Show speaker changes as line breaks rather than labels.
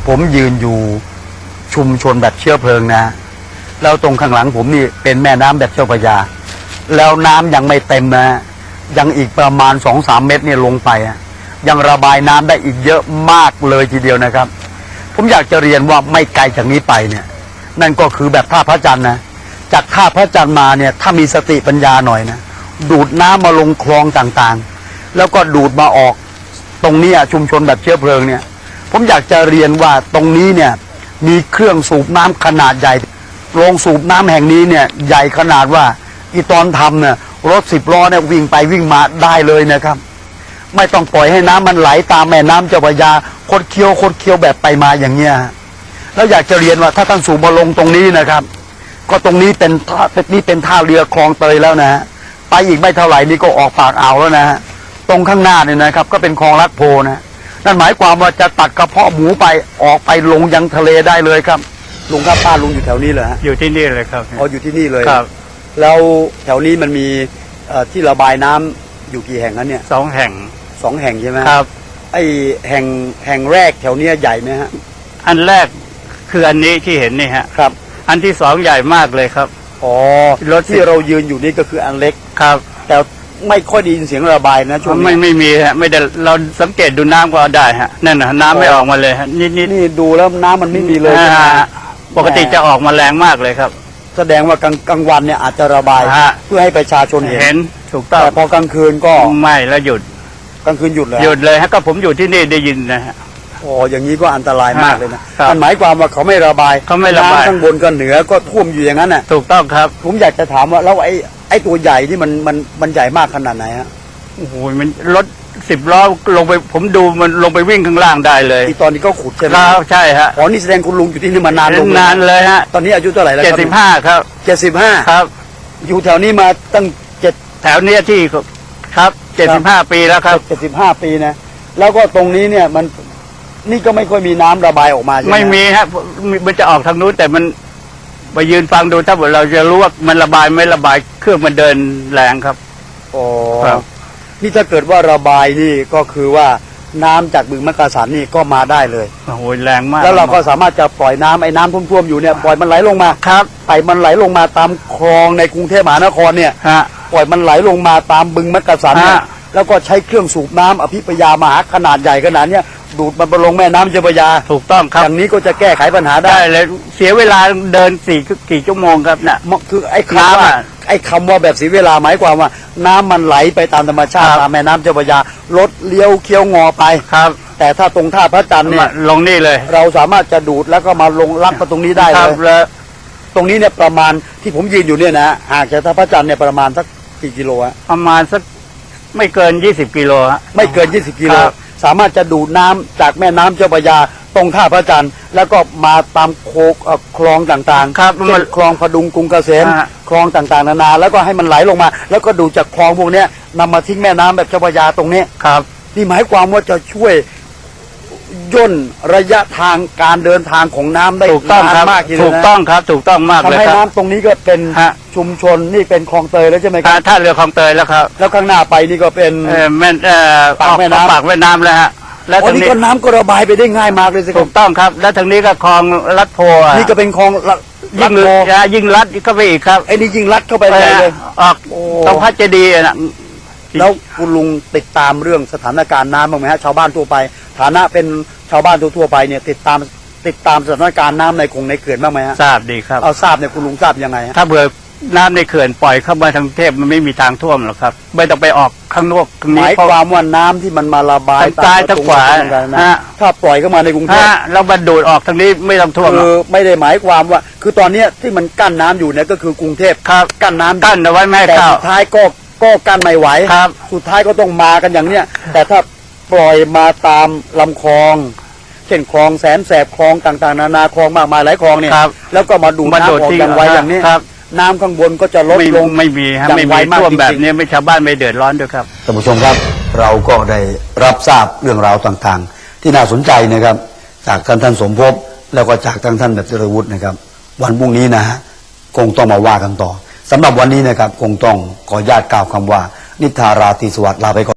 ผมยืนอยู่ชุมชนแบบเชื้อเพลิงนะแล้วตรงข้างหลังผมนี่เป็นแม่น้ำแบบเจ้าพระยาแล้วน้ำยังไม่เต็มนะยังอีกประมาณ 2-3 เมตรเนี่ยลงไปยังระบายน้ำได้อีกเยอะมากเลยทีเดียวนะครับผมอยากจะเรียนว่าไม่ไกลจากนี้ไปเนี่ยนั่นก็คือแบบท่าพระจันทร์นะจากท่าพระจันทร์มาเนี่ยถ้ามีสติปัญญาหน่อยนะดูดน้ำมาลงคลองต่างๆแล้วก็ดูดมาออกตรงนี้ชุมชนแบบเชื้อเพลิงเนี่ยผมอยากจะเรียนว่าตรงนี้เนี่ยมีเครื่องสูบน้ำขนาดใหญ่โรงสูบน้ำแห่งนี้เนี่ยใหญ่ขนาดว่าอีตอนทำเนี่ยรถ10 ล้อเนี่ยวิ่งไปวิ่งมาได้เลยนะครับไม่ต้องปล่อยให้น้ำมันไหลตามแม่น้ำเจ้าพระยาคดเคี้ยวแบบไปมาอย่างเงี้ยแล้วอยากจะเรียนว่าถ้าท่านสูบมาลงตรงนี้นะครับก็ตรงนี้เป็นท่าเรือคลองเตยแล้วนะไปอีกไม่เท่าไหร่นี่ก็ออกปากอ่าวแล้วนะตรงข้างหน้าเนี่ยนะครับก็เป็นคลองลัดโพนะนั่นหมายความว่าจะตัดกระเพาะหมูไปออกไปลงยังทะเลได้เลยครับลุงครับป้าลุงอยู่แถวนี้เลยฮะ
อยู่ที่นี่เลยครับ
อยู่ที่นี่เลย
ครับ
แล้วแถวนี้มันมีที่ระบายน้ำอยู่กี่แห่งนั้นเนี่ย
2 แห่ง
2 แห่งใช่ไหม
ครับ
ไอแห่งแรกแถวนี้ใหญ่ไหมฮะ
อันแรกคืออันนี้ที่เห็นนี่ฮะ
ครับ
อันที่2ใหญ่มากเลยครับ
อ๋อรถที่เรายืนอยู่นี่ก็คืออันเล็ก
ครับ
แต่ไม่ค่อยได้ยินเสียงระบายนะช่วงนี้
ไม่มีฮะไม่ได้เราสังเกตดูน้ำก็ได้ฮะนั่นนะน้ำไม่ออกมาเลยฮะ
นี่ดูแล้วน้ำมันไม่มีเลย
ปกติจะออกมาแรงมากเลยครับ
แสดงว่ากลางวันเนี่ยอาจจะระบายเพื่อให้ประชาชนเห็น
ถูกต้อง
แต่พอกลางคืนก็
ไม่แล้วหยุด
กลางคืนหยุด
เลยฮะก็ผมอยู่ที่นี่ได้ยินนะฮะ
อ๋ออย่างนี้ก็อันตรายมากเลยนะมันหมายความว่าเขาไม่ระบายน้ำข้างบนก็เหนือก็ท่วมอยู่อย่างนั้นน่ะ
ถูกต้องครับ
ผมอยากจะถามว่าแล้วไอ้ตัวใหญ่ที่มันใหญ่มากขนาดไหนฮะ
โอ้โหมันรถ10 ล้อลงไปผมดูมันลงไปวิ่งข้างล่างได้เลย
ตอนนี้ก็ขุดใช่ไหม
ใช่ฮะ
อ๋อนี่แสดงคุณลุงอยู่ที่นี่มานาน
เลยฮะ
ตอนนี้อายุเท่าไหร่แล้ว
ครับ75ครับ
75
ครับ
อยู่แถวนี้มาตั้ง
แถวนี้ที่ครับ75 ปีแล้วครับ
75 ปีนะแล้วก็ตรงนี้เนี่ยมันนี่ก็ไม่ค่อยมีน้ำระบายออกมาใช่ไหม
ไม่มีฮะมันจะออกทางนู้นแต่มันไปยืนฟังดูถ้าเราจะรู้ว่ามันระบายไม่ระบายเครื่องมันเดินแรงครับ
อ๋อนี่ถ้าเกิดว่าระบายนี่ก็คือว่าน้ำจากบึงมักกะสันนี่ก็มาได้เลย
โอ้โหแรงมาก
แล้วเราก็สามารถจะปล่อยน้ำไอ้น้ำท่วมๆอยู่เนี่ยปล่อยมันไหลลงมา
ครับ
ไปมันไหลลงมาตามคลองในกรุงเทพมหานครเนี่ยปล่อยมันไหลลงมาตามบึงมักกะสันเนี่ยแล้วก็ใช้เครื่องสูบน้ำอภิปยามหาขนาดใหญ่ขนาดเนี้ยดูดมันไปลงแม่น้ำเจ้าพระยา
ถูกต้องครับ
อย่างนี้ก็จะแก้ไขปัญหาได้
เลยเสียเวลาเดินกี่ชั่วโมงครับน่ะ
คือไอ้คำว่าแบบเสียเวลาหมายความว่าน้ำมันไหลไปตามธรรมชาติตามแม่น้ำเจ้าพระยารถเลี้ยวเคี้ยวงอไป
ครับ
แต่ถ้าตรงท่าพระจันทร์เนี่ย
ลงนี่เลย
เราสามารถจะดูดแล้วก็มาลงลักมาตรงนี้ได้เลยตรงนี้เนี่ยประมาณที่ผมยืนอยู่เนี่ยนะหากจากท่าพระจันทร์เนี่ยประมาณสักกี่กิโลฮะ
ประมาณสักไม่เกิน20 กิโลฮะ
ไม่เกิน20 กิโลสามารถจะดูดน้ำจากแม่น้ำเจ้าพระยาตรงท่าพระจันทร์แล้วก็มาตามคลองต่าง
ๆครับ
เช่นคลองพดุงกรุงเกษมคลองต่างๆนานาแล้วก็ให้มันไหลลงมาแล้วก็ดูจากคลองพวกนี้นำมาทิ้งแม่น้ำแบบเจ้าพระยาตรงนี้
ครับ
นี่หมายความว่าจะช่วยย่นระยะทางการเดินทางของน้ำได้
ถูกต้องครับ
มาก
ถูกต้องครับถูกต้องมากเลย
ทำให้น้ำตรงนี้ก็เป็นชุมชนนี่เป็นคลองเตยแล้วใช่ไหมครับ
ท่าเรือคลองเตยแล้วครับ
แล้วข้างหน้าไปนี่ก็เป็น
ปากแม่น้ำแล้วฮะ
แล้วทางนี้ก็น้ำก็ระบายไปได้ง่ายมากเลยสิ
ถูกต้องครับแล้วทางนี้ก็คลองลัดโพ
นี่ก็เป็นคลอง
ยิ่งลัดเข้าไปอีกครับ
ไอ้นี่ยิ่งลัดเข้าไปเลย
ออกตรงพระเจดีย์นะ
แล้วคุณลุงติดตามเรื่องสถานการณ์น้ำบ้างไหมฮะชาวบ้านทั่วไปฐานะเป็นชาวบ้านทั่วไปเนี่ยติดตามสถานการณ์น้ำในเขื่อนบ้างไหมฮะ
ทราบดีครับ
เอาทราบเนี่ยคุณลุงทราบยังไง
ถ้าเผื่อน้ำในเขื่อนปล่อยเข้ามาทางเทพมันไม่มีทางท่วมหรอกครับไม่ต้องไปออกข้างนอก
หมายความว่าน้ำที่มันมาระบาย
ใต้ทางขวา
ถ้าปล่อยเข้ามาในกรุงเทพ
เราบรรดูดออกทางนี้ไม่ต้องท่วม
คือไม่ได้หมายความว่าคือตอนนี้ที่มันกั้นน้ำอยู่เนี่ยก็คือกรุงเทพกั้นน้ำ
กั้นเอาไว้ไม่ให้เข้า
สุดท้ายก็กั้นไม่ไหวสุดท้ายก็ต้องมากันอย่างเนี้ยแต่ถ้าปล่อยมาตามลำคลองเช่นคลองแสนแสบคลองต่างๆนานาคลองมากมายหลายคลองเนี่ยแล้วก็มาดูน้ำออกอย่างไวอย่างนี้น้ำข้างบนก็จะลดลง
ไม่มีท่วมแบบนี้ไม่ชาวบ้านไม่เดือดร้อนด้วยครับ
ท่านผู้ชมครับเราก็ได้รับทราบเรื่องราวต่างๆที่น่าสนใจนะครับจากท่านสมภพแล้วก็จากท่านแบบเจริญวุฒินะครับวันพรุ่งนี้นะฮะคงต้องมาว่ากันต่อสำหรับวันนี้นะครับคงต้องขออนุญาตกล่าวคำว่านิทาราตรีสวัสดิ์ลาไปก่อน